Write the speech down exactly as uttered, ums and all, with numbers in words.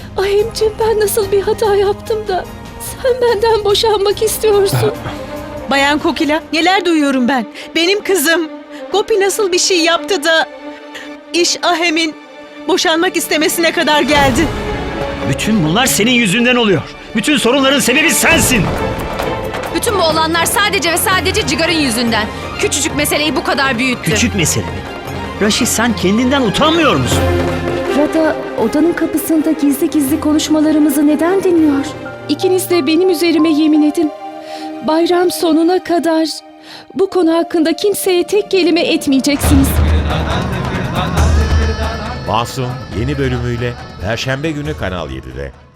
Ahemciğim, ben nasıl bir hata yaptım da sen benden boşanmak istiyorsun? Bayan Kokila, neler duyuyorum ben? Benim kızım Gopi nasıl bir şey yaptı da iş Ahem'in boşanmak istemesine kadar geldi. Bütün bunlar senin yüzünden oluyor. Bütün sorunların sebebi sensin. Bütün bu olanlar sadece ve sadece Cigar'ın yüzünden. Küçücük meseleyi bu kadar büyüttü. Küçük mesele mi? Raşi, sen kendinden utanmıyor musun? Rada odanın kapısında gizli gizli konuşmalarımızı neden dinliyor? İkiniz de benim üzerime yemin edin. Bayram sonuna kadar bu konu hakkında kimseye tek kelime etmeyeceksiniz. Masum yeni bölümüyle Perşembe günü Kanal yedide.